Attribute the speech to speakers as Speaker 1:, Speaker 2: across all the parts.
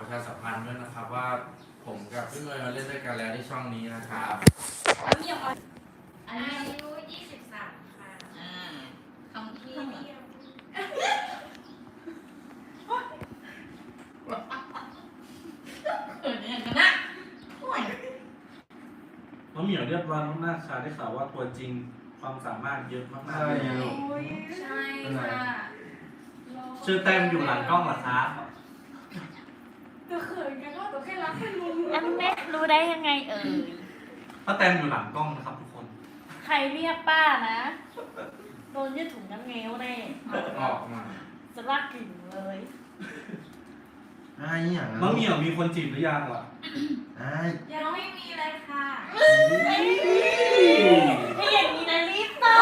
Speaker 1: ชาสัมพันธ์ด้วยนะครับว่าผมกับพี่เมย์มาเล่นด้วยกันแล้วที่ช่องนี้นะครับ
Speaker 2: แล้วมีอย่างไร
Speaker 3: อายุ23 ค่ะคำที่เดียวเขินอย่างนั้นนะห่วย
Speaker 4: น้องเหมียวเรียบร้อยมากๆค่ะได้ข่าวว่าตัวจริงความสามารถเยอะมากๆเลย
Speaker 2: ใช่ค่ะ
Speaker 4: ชื่อแต้มอยู่หลังกล้องเหรอครับ
Speaker 2: ตัวเขินกันก็ตัวแค่รักแค่ลุง
Speaker 3: อันเน็ตรู้ได้ยังไงเอ่ย
Speaker 4: ป้าแต้มอยู่หลังกล้องนะครับทุกคน
Speaker 3: ใครเรียกป้านะ โดนยืดถุงน้ำเงี้ยวแน่
Speaker 1: ออกมา
Speaker 3: จะลากกลิ่นเลย
Speaker 5: ไอ้อย่าง
Speaker 4: น้องเหมียวมีคนจีบหรือยังวะ
Speaker 5: ไอ้
Speaker 2: ยังไม่มีเลยค่ะ
Speaker 3: ถ้าอย่างนี้นะรีบตอบ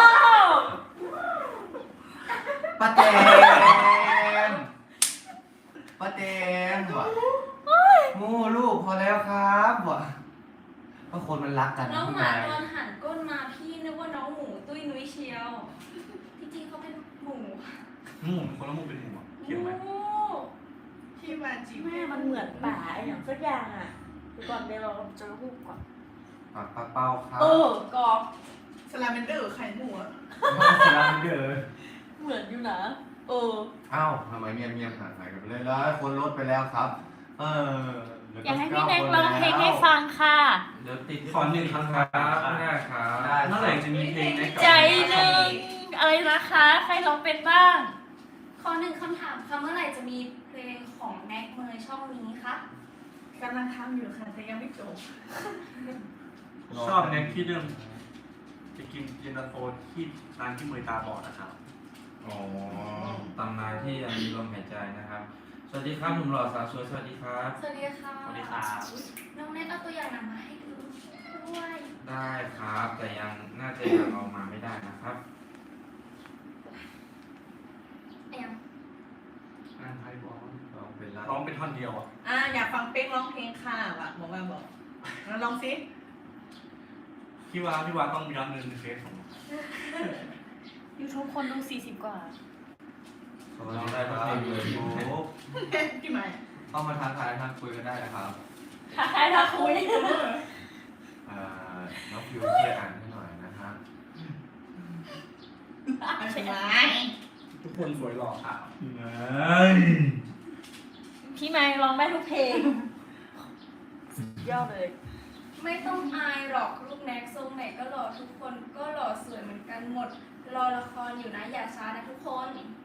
Speaker 5: ป้าแตมป้าแตมว่ะโง่ลูกพอแล้วครับว่ะเพราะคนมันรักกัน
Speaker 2: น้อง
Speaker 5: พี่
Speaker 2: หมา
Speaker 5: นา
Speaker 2: ตอนหันก้นมาพี่นึกว่าน้องหมูตุ้ยนุ้ยเชียวที่จริงเขาเป็นหมู
Speaker 4: หมูคนละหมูเป็นหมูอะเขียวไหม
Speaker 2: ที่มาจีบ
Speaker 3: แม่มันเหมือนป่าอย่างสักอย่างอ่ะเดี๋ยวก่อนเดี๋ยวเราจะรูปก่อน
Speaker 5: ปากปลาเป้าครับ
Speaker 3: กรอบ
Speaker 2: สลาเมนเดอร์ไข่หมูอะ
Speaker 5: สลามเดอร์
Speaker 3: เหมือนอยู่นะ
Speaker 5: เอ้าทำไมเงียบหายกันไปเลยแล้วคนลดไปแล้วครับ แล้ว
Speaker 3: อยากให้พี่แน็กร้องเพลงให้ฟังค่ะ
Speaker 1: เดี๋ยวติด
Speaker 4: ขอหนึ่งครั้งค
Speaker 1: ค
Speaker 4: รั
Speaker 1: รั
Speaker 4: บบ
Speaker 1: ไม่ได้ครับ
Speaker 4: เมื่อไหร่จะมีเพลงในกับ
Speaker 3: ใจหนึ่งอะไรนะคะ ใครร้องเป็นบ้าง
Speaker 2: ข้อหนึ่งคำถามค่ะเมื่อไหร่จะมีเพลงของแน็กเมย์ช่องนี้คะกำลังทำอยู่ค่ะแต่ยังไม่จบ
Speaker 4: ชอบแน็กที่เรื่องจะกินเย็นตาโฟที่ร้านที่เมยตาบอดนะครับ
Speaker 1: อ๋อตำนานที่ยังมีลมหายใจนะครับ สวัสดีครับหนุ่มหล่อสาวสวยสวัสดีครับ
Speaker 2: สวัสดีค่ะ
Speaker 4: สวัสดีครับ
Speaker 2: น้องเน็ตเอาตัวอย่างหนังมาให้ดูด้วย
Speaker 1: ได้ครับ แต่ยังน่าจะยังเอามาไม่ได้นะครับ
Speaker 2: แอม
Speaker 4: งานไทยบอก
Speaker 5: ลองเป็นละ
Speaker 4: ร้องเป็นท่อนเดียวอ่ะ
Speaker 6: อยากฟังเป๊กร้องเพลงค่ะว่ะบอกว่าบอกลองสิ
Speaker 4: พี่ว่าต้องย้อนเงินในเฟซของ
Speaker 3: YouTube คนดู40 กว่า
Speaker 5: สวัสดีครับยูทูบ
Speaker 6: พี่ใหม่
Speaker 5: เข้ามาทักทายคุยกันได้นะครับ
Speaker 3: ใครถ้าคุย
Speaker 5: น้องฟิวช่วยอ่านให้หน่อยนะครับ
Speaker 6: ใช่ไหม
Speaker 4: ทุกคนสวยหล่อค่ะ
Speaker 3: พี่ไม้ร้องได้ทุกเพลงสุดยอดเลย
Speaker 2: ไม่ต้องอายหรอกลูกแน็กทรงไหนก็หล่อทุกคนก็หล่อสวยเหมือนกันหมด รอละครอยู่นะอย่าช้านะทุกคน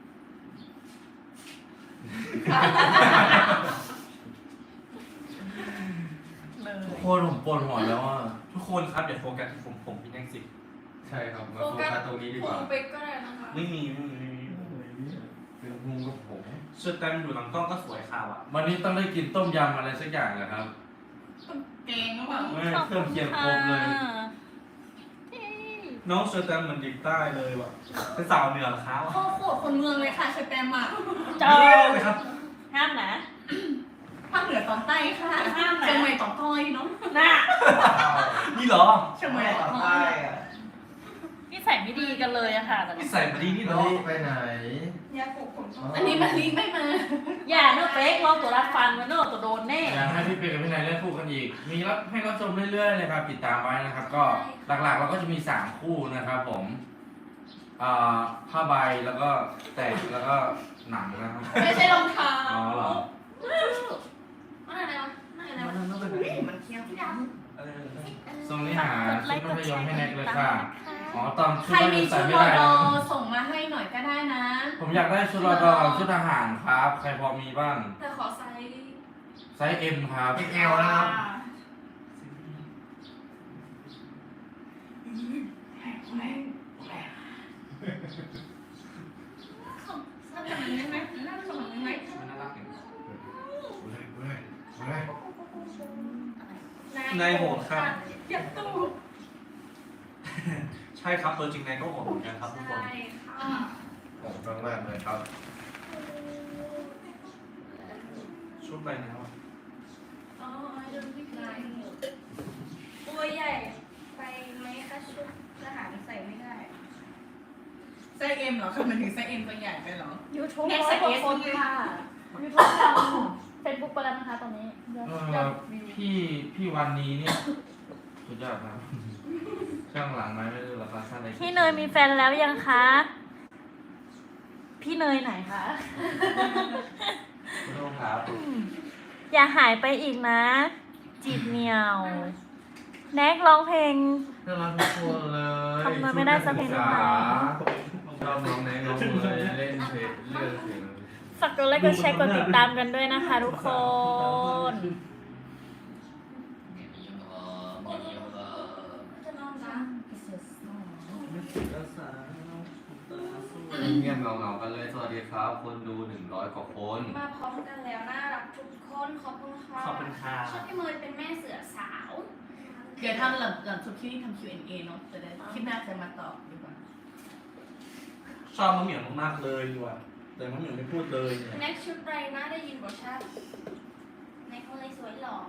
Speaker 1: ทุกคนผมปวดหัวแล้วอ่ะ
Speaker 4: ทุกคนครับอย่าโฟกัสที่ผมพี่แน็กสิ
Speaker 5: ใช่ครับมาโฟกัสตรงนี้ดีกว่า
Speaker 2: คงไปก็ได้นะคะ
Speaker 4: ไม่มี
Speaker 5: เป็นพุงกับผม
Speaker 4: ชุดแต้มอยู่หลังกล้องก็สวยข่าวอ่ะ
Speaker 1: วันนี้ต้องได้กินต้มยำอะไรสักอย่างเหรอครับ
Speaker 6: เก่งหรือเปล่า
Speaker 1: ไม่เครื่องเคียงครบเลย
Speaker 4: น้องเชอร์แตมเหมือนเด็กใต้เลยว่ะเป็นสาวเหนือเหรอครับ
Speaker 6: พ่อโคตรคนเมืองเลยค่ะเชอแตมอ่ะ
Speaker 3: เจ้า
Speaker 4: เลยครับ
Speaker 3: ห้ามนะ
Speaker 6: ภาคเหนือตอนใต้ค่ะเชียงใหม่ตอนต้อยเนาะ
Speaker 3: น่ะ
Speaker 4: นี่เหรอ
Speaker 6: เชียงใหม่ตอนต้อย
Speaker 3: นิสัยไม่ดีกันเลยอะค่ะแต่
Speaker 4: นี่ใส่มาดีนี่เหร
Speaker 5: น้
Speaker 4: อ
Speaker 5: องไปไหน
Speaker 2: ยาปลูกผม
Speaker 6: อันนี้มันลีไม่มา
Speaker 3: อย่าเนอะเป๊กลองตัวรับฟังกันเนอะตัวโดนแน่
Speaker 1: อยากให้พี่เป็นกับพี่นายเล่นคู่กันอีก มีรับให้รับชมเรื่อยๆเลยครับติดตามไว้นะครับ ก็หลักๆเราก็จะมี3คู่นะครับผมผ้าใบแล้วก็แตกแล้วก็หนังนะครับ
Speaker 6: ไม่ใช่รองเท้า
Speaker 1: อ๋อเหรอ
Speaker 2: นั่นอะไรวะนั่นอะไรวะ
Speaker 6: มันเที่ยว
Speaker 1: ทรงนี้หาชุดมัธยมให้แน็กเลยค่ะ อ๋อตอนชุ
Speaker 6: ใค
Speaker 1: ด
Speaker 6: ร
Speaker 1: นัก
Speaker 6: มี
Speaker 1: เรียนใส่
Speaker 6: ชุด
Speaker 1: ไม่
Speaker 6: รอ
Speaker 1: ได้
Speaker 6: ด
Speaker 1: นะ
Speaker 6: อส่งมาให้หน่อยก็ได้นะ
Speaker 1: ผมอยากได้ชุดรอดอกับชุดทหารครับ ใครพอมีบ้าง
Speaker 2: แต่ขอไซส์
Speaker 1: ไซส์ M ครับ
Speaker 5: XL นะครับ
Speaker 6: น่าจะมันนึงไหมน่าจะมันนึงไหม
Speaker 1: มันน่ารักอย่างนี้
Speaker 4: นายโหดครับ
Speaker 2: ยัดตู้
Speaker 4: ใช่ครับตัวจริงนายก็โหดเหมือนกันครับทุกคน
Speaker 2: ใช่ค่ะ
Speaker 5: ผมต้องมากเลยครับ
Speaker 4: ชุดอะไรนะครับ
Speaker 2: อ๋อเดินพี่นายตัวใหญ่ไปไหมคะชุดทหารใส่ไม่ได้
Speaker 6: ไซส์เอ็มเหรอคือมันถึงไซส์เอ็มตัวใหญ่ไปเหรอ
Speaker 3: YouTube
Speaker 6: แน็ก
Speaker 3: ร้อ
Speaker 6: ใส่
Speaker 3: ยกว่า
Speaker 6: เอส
Speaker 3: คน
Speaker 6: เลย
Speaker 3: ค่ะ YouTube ดัง
Speaker 7: เฟซบุ๊กไปแล้วนะคะตอนนี้ยอด
Speaker 1: เอย
Speaker 7: อ
Speaker 1: อ
Speaker 7: ดวิว
Speaker 1: พี่วันนี้เนี่ยสุดยอดครับข้างหลังไหมไม่รู้ราคาสั้นอะไร
Speaker 7: พี่เนยมีแฟนแล้วยังคะ พี่เนยไหนคะ
Speaker 5: คุณลุงครับ
Speaker 7: อย่าหายไปอีกนะ จีบเหมียว แน็กร้องเพลง
Speaker 1: น่ารักทุกคนเลย
Speaker 7: ทำไมไม่ได้สักเพลงหนึ่งคะ
Speaker 1: ชอบน้องแนงน้องเลยเล่นเพลงเลือกเพลง
Speaker 7: ฝากกดไลค์กดแชร์กดติดตามกันด้วยนะคะทุกคน
Speaker 2: จะนอนนะ
Speaker 5: เงียบเงาๆกันเลยสวัสดีครับ คนดู100 กว่าคน
Speaker 2: มาพร้อมกันแล้วน่ารักทุกคนขอบคุณค่ะ
Speaker 4: ขอบคุณค่ะ
Speaker 2: ชอบพี่เมย์เป็นแม่เสือสาว
Speaker 6: เดี๋ยวทำหลังจบที่นี่ทำ Q&A เนาะจะได้คลิปหน้าจะมาตอบดีกว่า
Speaker 4: ชอบมะเหมี่ยวมากๆเลยดีกว่าแต่มะเหมี่ยวไม่พูดเลยเนี่ย
Speaker 2: แน็กชุดไรนะได้ยินบอกชัดแน็กเขาเลยสวยหล่อ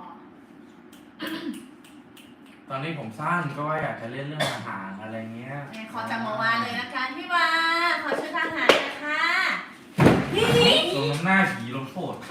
Speaker 1: ตอนนี้ผมสั้นก็ว่าอยากจะเล่นเรื่องอาหารอะไรเงี้ย
Speaker 6: ขอจำมาวาเลยนะคะพี่วาขอชุดทหารนะคะ
Speaker 1: ลงน้ำหน้าผีลงโทษ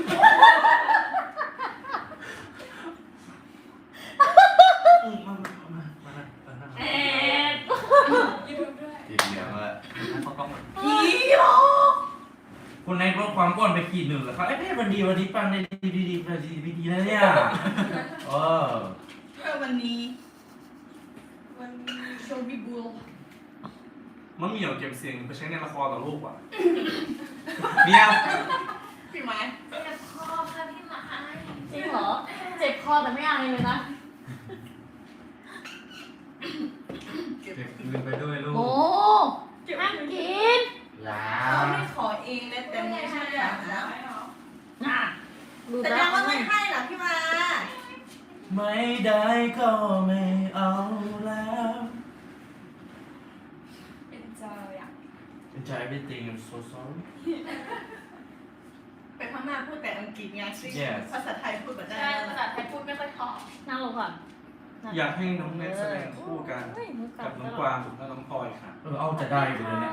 Speaker 7: เอ๊ะ
Speaker 2: ยูทูบด้วย
Speaker 5: จีบเหนียวเลย
Speaker 4: เขาต้อง
Speaker 6: พี่โอ
Speaker 1: คุณนายลดความอ้วนไปขีดหนึ่งแล้วครับเอ้ยวันนี้ปังในดีนะเนี่ยเออ
Speaker 6: วันนี้
Speaker 2: วันนี้
Speaker 6: โชว์บีบูล
Speaker 4: มะเหมี่ยวเก็บเสียงไปใช้ในละครต่อลูกว่ะเนี่ย
Speaker 6: พี่ไม้
Speaker 3: เจ็บคอค่ะพี่หมา
Speaker 7: จริงเหรอ เจ็บคอแต่ไม่อายเลยนะ
Speaker 5: เก็บคืนไปด้วยลูก
Speaker 7: โอ้ห้ามกิน
Speaker 5: ลา
Speaker 6: เขาไม่ขอเองนะแต่ไม่ใช่เหรอนะ
Speaker 7: น่ะดู
Speaker 6: แต่
Speaker 7: แล้
Speaker 6: ยั
Speaker 7: ว
Speaker 6: งว่าไม่ให้เหรอพี่วา
Speaker 1: ไม่ได้ก็ไม่เอาแล้ว
Speaker 2: เป็นเจออ่ะ
Speaker 1: ใจไม่ติง I'm so sorry
Speaker 6: ไปพม่าพูดแต่อังกฤษไงซึ่ง
Speaker 1: Yes
Speaker 6: ภาษาไทยพูดแบบได้
Speaker 2: ใช่ภาษาไทยพูดไม่ค่อยถ่อง
Speaker 7: นั่งลงก่อน
Speaker 4: อยากให้น้องแนทแสดงคู่กัน
Speaker 7: เฮ้ยมือ
Speaker 4: กับน้องกวางและน้องพลอยค่ะ
Speaker 1: เอาจะได้อยู่เลยเนี่ย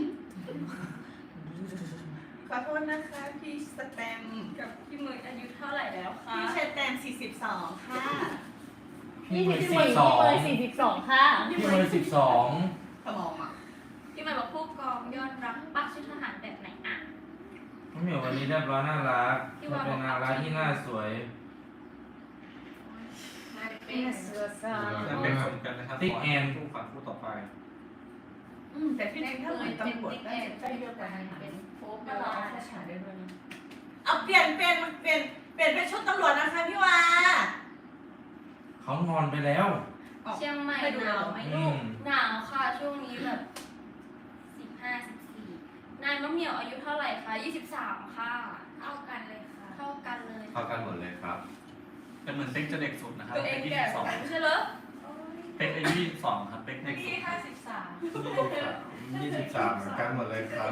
Speaker 6: ขอโทษนะคะพี่สแตม
Speaker 2: กับพี่เมย์อายุเท่าไหร่แล้วคะ
Speaker 6: พี่สแตม42 ค่ะ
Speaker 1: พี่เมย์
Speaker 7: พี่
Speaker 1: 12
Speaker 7: เมย์42 ค่ะ
Speaker 1: พี่เมย์12
Speaker 6: สมองอ่ะ
Speaker 2: พี่เมย์บอกผู้กองยอดรักปักชุดทหารแบบไหนอ่ะ
Speaker 1: น้องเหมียววันนี้เรียบร้อยน่ารักเป็นน่ารักที่น่าสวย
Speaker 2: เป็นเสือสาว
Speaker 4: จะเป็นคนกันนะครับ
Speaker 1: ติ๊กแอน
Speaker 4: คู่ฝันคู่ต่อไป
Speaker 6: แต่ที่
Speaker 2: ใน
Speaker 6: จริง
Speaker 2: เค
Speaker 6: ถ้าเหมื
Speaker 2: ย
Speaker 6: อน
Speaker 2: เป็น
Speaker 6: ตำรวจ
Speaker 2: ติ๊ก
Speaker 6: ก็
Speaker 2: แอน
Speaker 6: จะ
Speaker 2: ได้
Speaker 6: ได้
Speaker 2: เย
Speaker 6: เย
Speaker 2: อะ
Speaker 6: อะ
Speaker 2: ก
Speaker 6: ก
Speaker 2: ว่า
Speaker 6: ว่า
Speaker 2: นั้
Speaker 6: นั้น น
Speaker 2: เป็นโป๊ป
Speaker 6: ก็
Speaker 2: ก็
Speaker 6: ร
Speaker 2: ร
Speaker 6: อ
Speaker 2: อ
Speaker 6: ราชการได้ด้วยนะเอาเปลี่ยนชุดตำรวจนะคะพี่วา
Speaker 1: เขางอนไปแล้ว
Speaker 2: เชียงใหม่หนาวไหมลูกหนาวค่ะช่วงนี้แบบ15-14นายมะเหมี่ยวอายุเท่าไหร่คะ23ค่ะ
Speaker 3: เท่ากันเลยค่ะ
Speaker 2: เท่ากันเลย
Speaker 5: เข้ากันหมดเลยครับ
Speaker 4: แต่เหมือนเป๊กจะเด็กสุดนะครับ
Speaker 2: ตัวเอ
Speaker 4: เป๊
Speaker 2: ง
Speaker 4: ก
Speaker 2: แก่
Speaker 4: 22
Speaker 2: ไม่ใช่เหรอ
Speaker 4: เป๊กอายุ22ครับเป๊กเด็กสุด
Speaker 5: 23เหมือนกันหมดเลยครับ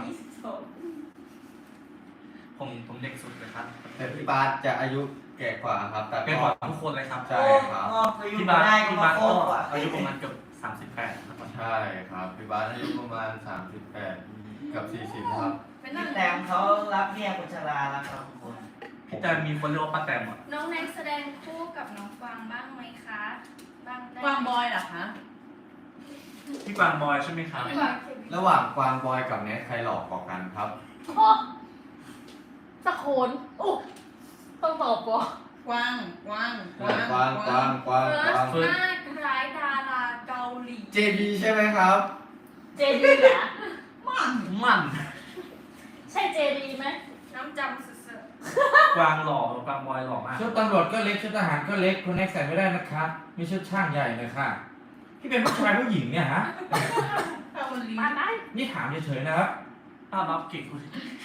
Speaker 4: ผมเด็กสุดเลยครับ
Speaker 5: แต่พี่บาสจะอายุแก่กว่าครับ แต่
Speaker 4: เป็นกว่าทุกคนเลยครับ
Speaker 5: ใช่ครับ
Speaker 4: พี่บาสก็อายุประมาณเกือบ38นะครับ
Speaker 5: ใช่ครับ พี่บาสอายุประมาณ 38 กับ 40 ครับ
Speaker 2: เป็นนั่น
Speaker 8: แต่เขารับเมียกุชลาแล้วครับทุกคน
Speaker 4: พี่แต่มีคนเรียกว่าป้าแตมอ่ะ
Speaker 2: น้องแน็กแสดงคู่กับน้องกวางบ้างไหมคะบ้างได้
Speaker 6: กวางบอยเหรอคะ
Speaker 4: พี่กวางบอยใช่ไหมครับ
Speaker 2: กวาง
Speaker 5: ระหว่างกวางบอยกับเนทใครหลอกกว่ากันครับ
Speaker 7: โอ้สะโคนโอ้ต้องตอบก่อน
Speaker 6: กวาง
Speaker 5: กวาง
Speaker 2: เฟิร์สหน้าคล้ายดาราเกาหลี
Speaker 5: เจดีใช่ไหมครับ
Speaker 7: เจดีเหรอ
Speaker 4: มัน
Speaker 7: ใช่เจดีไหม
Speaker 2: น้ำจำสุด
Speaker 4: กวางหล่อกวางบอยหล่อมาก
Speaker 1: ชุดตำรวจก็เล็กชุดทหารก็เล็กคุณแน็กใส่ไม่ได้นะครับมีชุดช่างใหญ่เลยค่ะพี่เป็นผู้ชายผู้หญิงเนี่ยฮะ
Speaker 6: คาวันลี
Speaker 7: มาได้
Speaker 1: นี่ถามเฉยๆนะครับ
Speaker 4: ป้ารับเก่งคุณ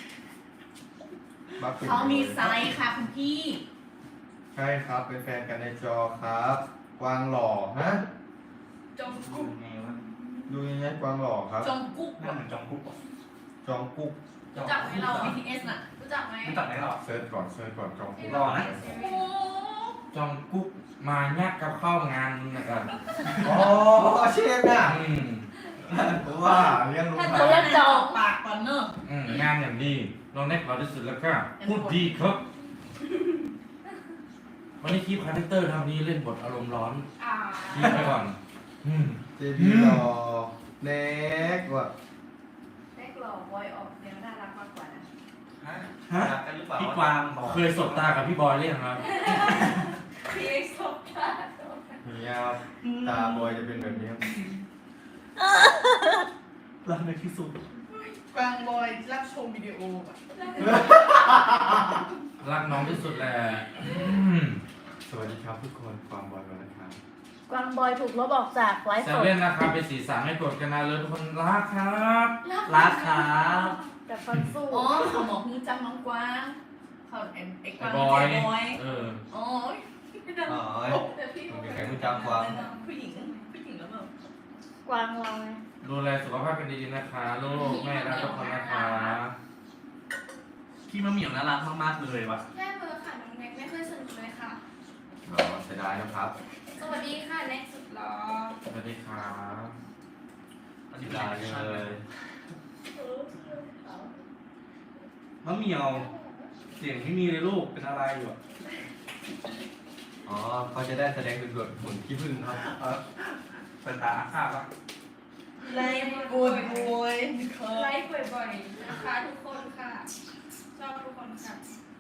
Speaker 6: เขามีไซส์ค่ะคุณพี่
Speaker 5: ใช่ครับ เป็นแฟนกันในจอครับ กวางหล่อฮะ
Speaker 2: ๆจงกุ๊ก
Speaker 8: ไงวะ
Speaker 5: ดูยังไงกวางหล่อครับ
Speaker 6: จงกุ๊ก
Speaker 4: หน้าเหมือนจองกุ๊กอ่ะ
Speaker 5: จองกุ๊ก
Speaker 2: รู้จักไหมเรา
Speaker 6: BTS น่ะ
Speaker 2: รู้จักไหม
Speaker 4: รู้จักไหมหรอ
Speaker 5: เซิร์ชก่อนจองกุ๊ก
Speaker 4: หล่อนะ
Speaker 6: โอ้
Speaker 1: จองกุ๊กมายักกับเข้างานนะครับ
Speaker 5: อ๋อเช่นน่ะ
Speaker 1: อืม
Speaker 5: ผมว่าเลี้ยงลูก
Speaker 6: ถ้า
Speaker 5: ค้า
Speaker 6: จะเล่นจอกปากก่อนเนอะ
Speaker 1: งานอย่างดีน้องแน็กเราที่สุดแล้วก็พูดดีครับวันนี้คีบคาแรคเตอร์นะครับวันนี้เล่นบทอารมณ์ร้อน
Speaker 2: อ่า
Speaker 1: คีบไปก่อน
Speaker 5: เจดีหล่อเน็กว่ะ
Speaker 6: แรกหล่อบอยออกแนวน่ารักมากกว่านะ
Speaker 4: ฮะ
Speaker 8: รักกันหรือเปล่า
Speaker 4: พี่กวางบอก
Speaker 1: เคยสบตากับพี่บอยเรื่องครับ
Speaker 2: พี่สบตา
Speaker 5: เนี่ยครับตาบอยจะเป็นแบบนี้ครับ
Speaker 4: รักในที่สุด
Speaker 6: กวางบอยรับชมวิดีโอแบบ
Speaker 1: รักน้องที่สุดแหละ
Speaker 5: สวัสดีครับทุกคนความบอยมาแล้วครับ
Speaker 7: กวางบอยถูกลบออกจากไลฟ์
Speaker 1: เซ
Speaker 7: สด
Speaker 1: เว่นนะครับเป็นสีสันให้กดกันนะเลยทุกคนรักครับ
Speaker 4: รักครับ
Speaker 7: กับฟันสู้
Speaker 6: อ๋อเขาบอกฮือจังน้องกวางเขาไอ้ก
Speaker 1: ไอ้
Speaker 6: วาง
Speaker 1: บอย
Speaker 6: เจ๊บอย
Speaker 1: เออ
Speaker 6: โอ้ย
Speaker 5: อ๋อ
Speaker 6: แต่พี่
Speaker 5: มันมีใครรู้จักกวาง
Speaker 6: ผู้หญิงแล้วแบบ
Speaker 7: กวางเราไง
Speaker 1: ดูแลสุขภาพกันดีๆนะคะลูกแม่รักทุกคนนะคะ
Speaker 4: พี่มะเหมี่ยวน่ารักมากๆเลยว่ะ
Speaker 2: แค่เบอร์ค่ะน้องแน็กไม่เคยสนุกเลยค่ะ
Speaker 5: อ๋อเสียดายนะครับ
Speaker 2: สวัสดีค่ะแน็กสุดหล่อ
Speaker 1: สวัสดีครับ
Speaker 4: อัน
Speaker 5: เสี
Speaker 4: นี้
Speaker 5: ย
Speaker 4: เป็น
Speaker 5: ดาย
Speaker 4: ไง
Speaker 5: เลย
Speaker 4: มะเหมี่ยว เสียงไม่มีเลยลูกเป็นอะไรอยู่อะ
Speaker 5: อ๋อเขาจะได้แสดงเป็นบทผลขี้ผึ้งครับ
Speaker 4: สายตาอาฆาตปะ
Speaker 6: ไล่บวยบวย
Speaker 2: ไลฟ์บ่อยๆนะคะทุกคนค่ะ ชอบทุกคนค่ะ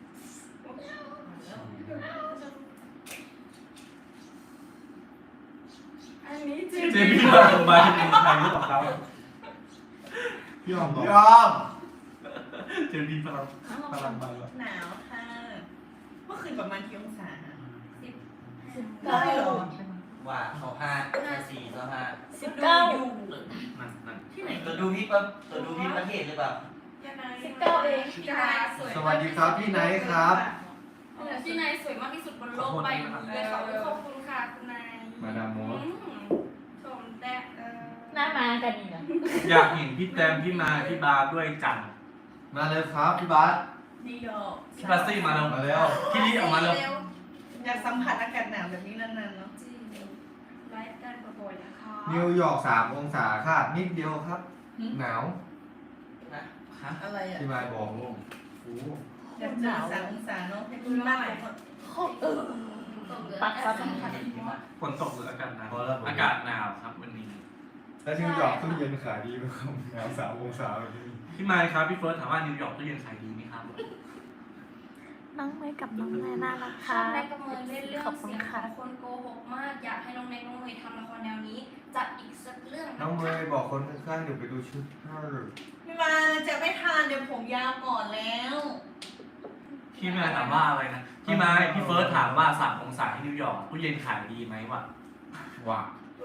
Speaker 2: อันนี้จริง
Speaker 4: เจมี่มาโรงพยาบาลเป็นใครหรือเปล่าครับพี่ออมบอก
Speaker 5: ยอม
Speaker 4: เจมี่พลังพลังมาแล้ว
Speaker 6: หนาวค่ะเมื่อคืนประมาณกี่องศา
Speaker 7: ได้เหรอ
Speaker 8: ว่าเขา5 4
Speaker 7: 19
Speaker 4: นั่นนั่น
Speaker 6: ที่ไหน
Speaker 8: ตัวดูพี่ปั๊บตัวดูพี่ประเทศหรือเปล่า
Speaker 2: ยังไง
Speaker 7: 19เอง
Speaker 2: พี่นายสวย
Speaker 5: สวัสดีครับพี่ไนท์ครับ
Speaker 2: พี่นายสวยมากที่สุดบนโลกใบนี้เลยค่ะขอบคุณค่ะคุณนาย
Speaker 5: มาดามโมด
Speaker 2: ชมแต่
Speaker 7: หน้ามากันอีกนะ
Speaker 4: อยากเห็นพี่แตมพี่มาพี่บาร์ด้วยจัง
Speaker 5: มาเลยครับพี่บาส
Speaker 6: นิวยอร์ก
Speaker 4: พี่บาซี่มาแล้ว
Speaker 5: มาแล้ว
Speaker 4: พี่ลี่ออกมาแล้ว
Speaker 6: อยากสัมผัสอากาศหนาวแบบนี้นานๆเนาะ
Speaker 2: จริงไลฟ์กันบ่อยๆนะคะ
Speaker 5: นิวยอร์ก3 องศาค่ะนิดเดียวครับ หนาว
Speaker 4: ฮะ
Speaker 6: อะไรอ่ะ
Speaker 5: ที่มายบอกลูก
Speaker 4: โอ้
Speaker 6: อยากเจอ3 องศาเนาะให้คุณมากกว่า
Speaker 7: ปัดฟัน
Speaker 4: ฝนตกหรืออากาศหนาว
Speaker 5: พอแล้วผม
Speaker 4: อากาศหนาวครับวันนี้
Speaker 5: แล้วนิวยอร์กตู้เย็นขายดีไหมครับหนาว3 องศาแบบนี้
Speaker 4: พี่มายครับพี่เฟิร์สถามว่านิวยอร์กตู้เย็นขายดีไหมครับ
Speaker 7: น้องเมย์กับน้องแม่น่ารัก
Speaker 2: ชอ
Speaker 7: ค่ะ
Speaker 2: บแน็กกับเมย์เล่นเรื่อง
Speaker 7: ขอบคุ
Speaker 2: เสี
Speaker 7: ณ
Speaker 2: ยงข
Speaker 7: ค่ะ
Speaker 2: องคนโกหกมาก อยากให้น้องแน็กน้องเมย์ทำละครแนวนี้ จัดอีกสักเรื่องะคะ
Speaker 5: น้องเมย์บอกคนข้างๆเดี๋ยวไปดูชุดให้
Speaker 6: พี่มาจะไม่ทานเดี๋ยวผมยาวก่อนแล้ว
Speaker 4: พี่มายถามว่าอะไรนะพี่มายพี่เฟิร์สถามว่า3 องศาที่นิวยอร์กตู้เย็นขายดีไหมวะ
Speaker 1: ว่า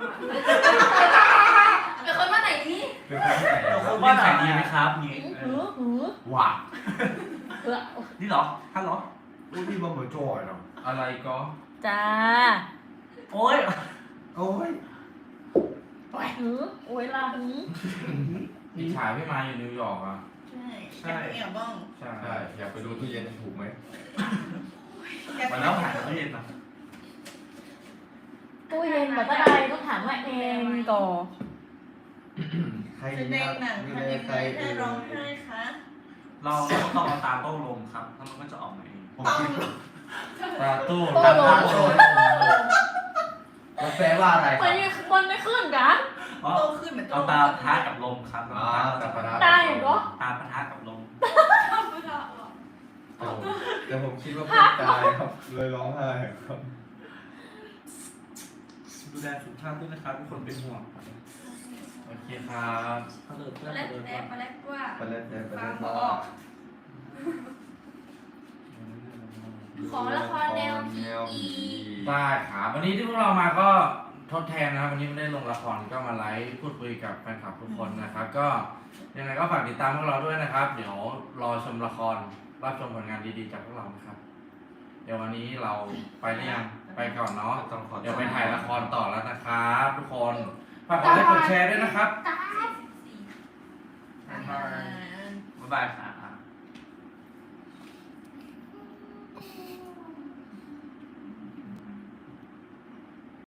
Speaker 2: เป็นคนว่าไหนนี่
Speaker 5: เป็นคนที่ไหนอะครับ
Speaker 4: ตู้เย็นขายดีไหมครับนี่
Speaker 7: หือหือ
Speaker 5: ว่า
Speaker 7: เออ
Speaker 4: นี่เหรอท่านเหรอ
Speaker 5: อุ้ยพี่บอมเหมือนจอยเนาะ
Speaker 1: อะไรก็
Speaker 7: จ้า
Speaker 4: โอ้ย
Speaker 5: โอ้ย
Speaker 7: หือโอ้ยลาหือ
Speaker 1: พี่ชายพี่มาอยู่นิวยอร์กอ่ะ
Speaker 6: ใช่แอบบ้อง
Speaker 1: ใช่
Speaker 5: ใช่อยากไปดูตู้เย็นถูกไหม
Speaker 4: มาแล้วหายตู้เย็นนะ
Speaker 7: ตู้เย็นแบบก็ได้ต้องถามว่าเองก่อน
Speaker 5: ใคร
Speaker 6: แส
Speaker 5: ดี
Speaker 6: ด
Speaker 5: ค
Speaker 6: ง
Speaker 5: รับ
Speaker 6: หนัง
Speaker 5: ดู
Speaker 6: ทำ
Speaker 5: แล
Speaker 6: ยัง
Speaker 5: ใค
Speaker 6: ไง
Speaker 5: ร
Speaker 6: ให้ร้องไห้คะ
Speaker 4: เราต้องเอาตาโต้ลมครับแล้วมันก็จะออกมาเอง
Speaker 5: ผมคิด
Speaker 1: ตาตู้
Speaker 7: โต้ลม
Speaker 5: มันแปลว่าอะไรค
Speaker 7: มั
Speaker 5: รั
Speaker 7: น
Speaker 5: บ
Speaker 7: ยังมันไม่ขึ้นกัน
Speaker 4: อ๋อ
Speaker 6: โตขึ้นเหมือนโต
Speaker 4: เอาตาปะทะกับลมครับ
Speaker 5: อ๋อตาปะทะ
Speaker 7: ได้เหรอ
Speaker 4: ตาปะทะกับลม
Speaker 5: แต่ผมคิดว่าเพื่อนตายครับ เลยร้องไห้ครับ
Speaker 4: ดูแลสุขภาพด้วยนะครับทุกคนเป็นห่วง
Speaker 1: โอเคครับ
Speaker 4: เขาเลิกเพื่อน
Speaker 2: แล้
Speaker 4: เขา
Speaker 2: ว
Speaker 4: เลิก
Speaker 2: แต่
Speaker 4: ว่า
Speaker 2: มาแล้วว่า
Speaker 5: ไปเล่นไป
Speaker 2: ฟั
Speaker 5: เล่
Speaker 2: ง
Speaker 5: น
Speaker 2: บออก ขอละครแนวผี
Speaker 1: ได้ครับวันนี้ที่พวกเรามาก็ทดแทนนะครับวันนี้ไม่ได้ลงละครก็มาไลฟ์พูดคุยกับแฟนคลับทุกคนนะครับ ก็ยังไงก็ฝากติดตามพวกเราด้วยนะครับ เดี๋ยวรอชมละครรับชมผลงานดีๆจากพวกเรานะครับ เดี๋ยววันนี้เราไปหรือยังไปก่อนเนาะ
Speaker 5: ต้องขอ
Speaker 1: เดี๋ยวไปถ่ายละครต่อแล้วนะครับ ทุกคนฝากกดไลค์กดแชร์ด้วยนะครับ
Speaker 6: อ่า
Speaker 4: บ๊ายบายครับ